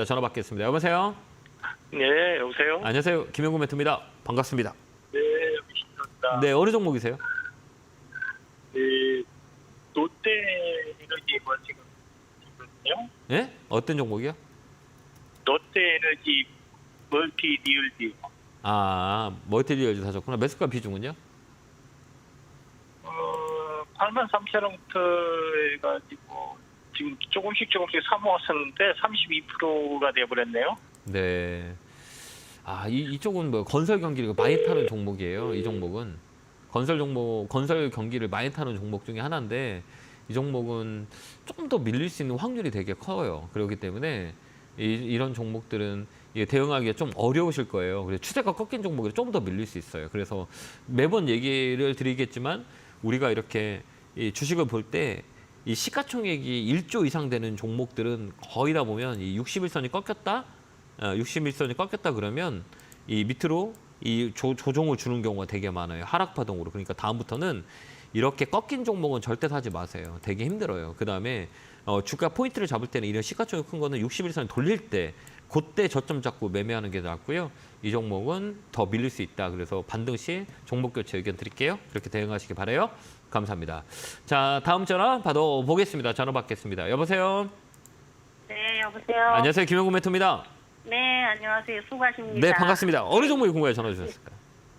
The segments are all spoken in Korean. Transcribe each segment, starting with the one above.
전화 받겠습니다. 여보세요? 네, 여보세요? 안녕하세요. 김영구 멘토입니다. 반갑습니다. 네, 여기 신입니다. 네, 어느 종목이세요? 네, 롯데에너지 뭐 지금 있거든요. 예? 어떤 종목이요? 롯데에너지 멀티 리얼지. 멀티리얼즈 사셨구나. 매수가 비중은요? 83,000원부터 해가지고 지금 조금씩 사모았었는데 32%가 돼버렸네요. 네. 이쪽은 뭐 건설 경기를 많이 타는 종목이에요. 이 종목은 건설 경기를 많이 타는 종목 중에 하나인데 이 종목은 조금 더 밀릴 수 있는 확률이 되게 커요. 그렇기 때문에 이런 종목들은 이게 대응하기가 좀 어려우실 거예요. 그래서 추세가 꺾인 종목이 좀 더 밀릴 수 있어요. 그래서 매번 얘기를 드리겠지만 우리가 이렇게 이 주식을 볼 때 이 시가총액이 1조 이상 되는 종목들은 거의 다 보면 이 61선이 꺾였다, 61선이 꺾였다 그러면 이 밑으로 이 조종을 주는 경우가 되게 많아요. 하락 파동으로. 그러니까 다음부터는 이렇게 꺾인 종목은 절대 사지 마세요. 되게 힘들어요. 그다음에 주가 포인트를 잡을 때는 이런 시가총액 큰 거는 61선 돌릴 때 그때 저점 잡고 매매하는 게 낫고요. 이 종목은 더 밀릴 수 있다. 그래서 반등 시 종목 교체 의견 드릴게요. 그렇게 대응하시기 바라요. 감사합니다. 자, 다음 전화 받아보겠습니다. 전화 받겠습니다. 여보세요? 네, 여보세요. 안녕하세요. 김영구 멘토입니다. 네, 안녕하세요. 수고하십니다. 네, 반갑습니다. 어느 종목이 궁금해 전화 주셨을까요?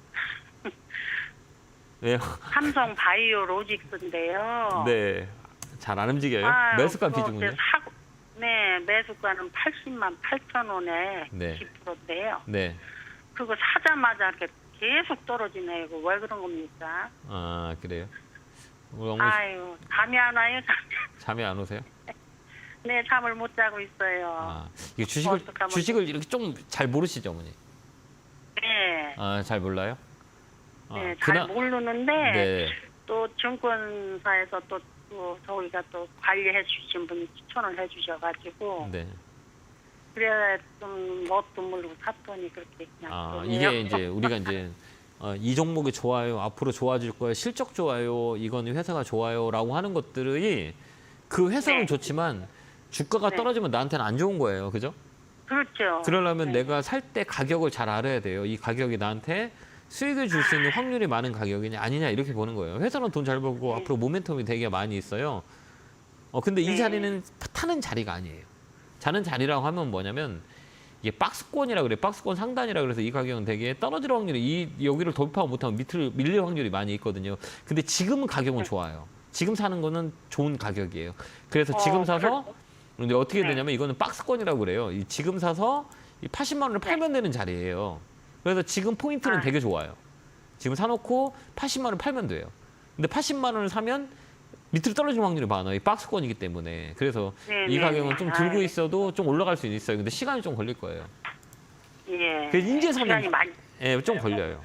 네. 삼성 바이오 로직스인데요. 네. 잘 안 움직여요. 매수가 비중은요? 네, 매수가는 80만 8천 원에 네. 10%인데요. 네. 그거 사자마자 이렇게 계속 떨어지네요. 이거 왜 그런 겁니까? 그래요? 우리 어머니 아유, 잠이 안 와요, 잠이 안 오세요? 네, 잠을 못 자고 있어요. 이게 어떡하면 주식을 이렇게 좀 잘 모르시죠, 어머니? 네, 잘 몰라요? 네, 잘 모르는데 네. 또 증권사에서 또 저희가 또 관리해 주신 분이 추천을 해 주셔가지고 네. 그래 좀 뭣도 모르고 샀더니 그렇게 그냥 이게 이제 우리가 이제 이 종목이 좋아요, 앞으로 좋아질 거예요, 실적 좋아요, 이거는 회사가 좋아요라고 하는 것들이 그 회사는 네. 좋지만 주가가 네. 떨어지면 나한테는 안 좋은 거예요, 그죠? 그렇죠. 그러려면 네. 내가 살 때 가격을 잘 알아야 돼요. 이 가격이 나한테 수익을 줄 수 있는 확률이 많은 가격이냐 아니냐 이렇게 보는 거예요. 회사는 돈 잘 벌고 네. 앞으로 모멘텀이 되게 많이 있어요. 근데 이 네. 자리는 타는 자리가 아니에요. 자는 자리라고 하면 뭐냐면 이게 박스권이라 그래. 박스권 상단이라 그래서 이 가격은 되게 떨어질 확률이 여기를 돌파 못하면 밑을 밀릴 확률이 많이 있거든요. 근데 지금은 가격은 좋아요. 지금 사는 거는 좋은 가격이에요. 그래서 지금 사서 근데 어떻게 네. 되냐면 이거는 박스권이라고 그래요. 지금 사서 이 80만 원을 팔면 되는 자리예요. 그래서 지금 포인트는 되게 좋아요. 지금 사놓고 80만 원을 팔면 돼요. 근데 80만 원을 사면 밑으로 떨어질 확률이 많아요. 이 박스권이기 때문에. 그래서 이 가격은 좀 들고 있어도 좀 올라갈 수 있어요. 근데 시간이 좀 걸릴 거예요. 예. 그래서 인제 사면 시간이 많이 좀 걸려요.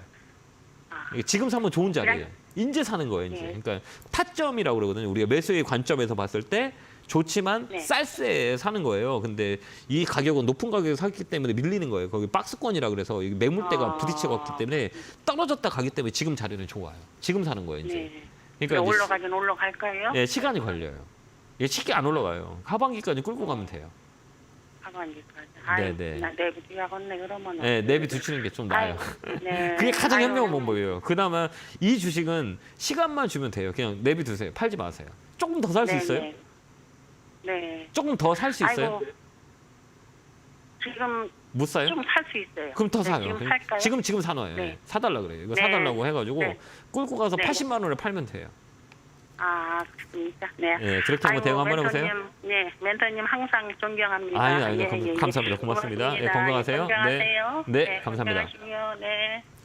지금 사면 좋은 자리예요. 인제 사는 거예요. 이제. 네. 그러니까 타점이라고 그러거든요. 우리가 매수의 관점에서 봤을 때 좋지만 네. 쌀세 사는 거예요. 근데 이 가격은 높은 가격에 샀기 때문에 밀리는 거예요. 거기 박스권이라 그래서 이 매물대가 부딪혀 갔기 때문에 떨어졌다 가기 때문에 지금 자리는 좋아요. 지금 사는 거예요. 이제. 네. 그러니까 이제 올라가긴 올라갈까요? 네, 시간이 걸려요. 이게 쉽게 안 올라가요. 하반기까지 끌고 가면 돼요. 하반기까지. 네. 나 내비 뒤야겠네 그러면. 네, 내비 두치는 게 좀 나아요. 네. 그게 가장 현명한 아유. 방법이에요. 그나마 이 주식은 시간만 주면 돼요. 그냥 내비 두세요. 팔지 마세요. 조금 더 살 수 네, 있어요? 네. 네. 조금 더 살 수 있어요? 아이고, 지금 못 사요? 좀 살 수 있어요. 그럼 더 네, 사요. 지금 살까요? 지금 사놔요. 네. 사달라 그래요. 이거 네. 사달라고 해가지고 네. 끌고 가서 네. 80만 원에 팔면 돼요. 그렇습니까? 네. 네, 그렇게 한번 대응 한번 해보세요. 네, 멘토님 항상 존경합니다. 감사합니다. 고맙습니다. 고맙습니다. 건강하세요. 건강하세요. 네, 감사합니다. 건강하시고요. 네.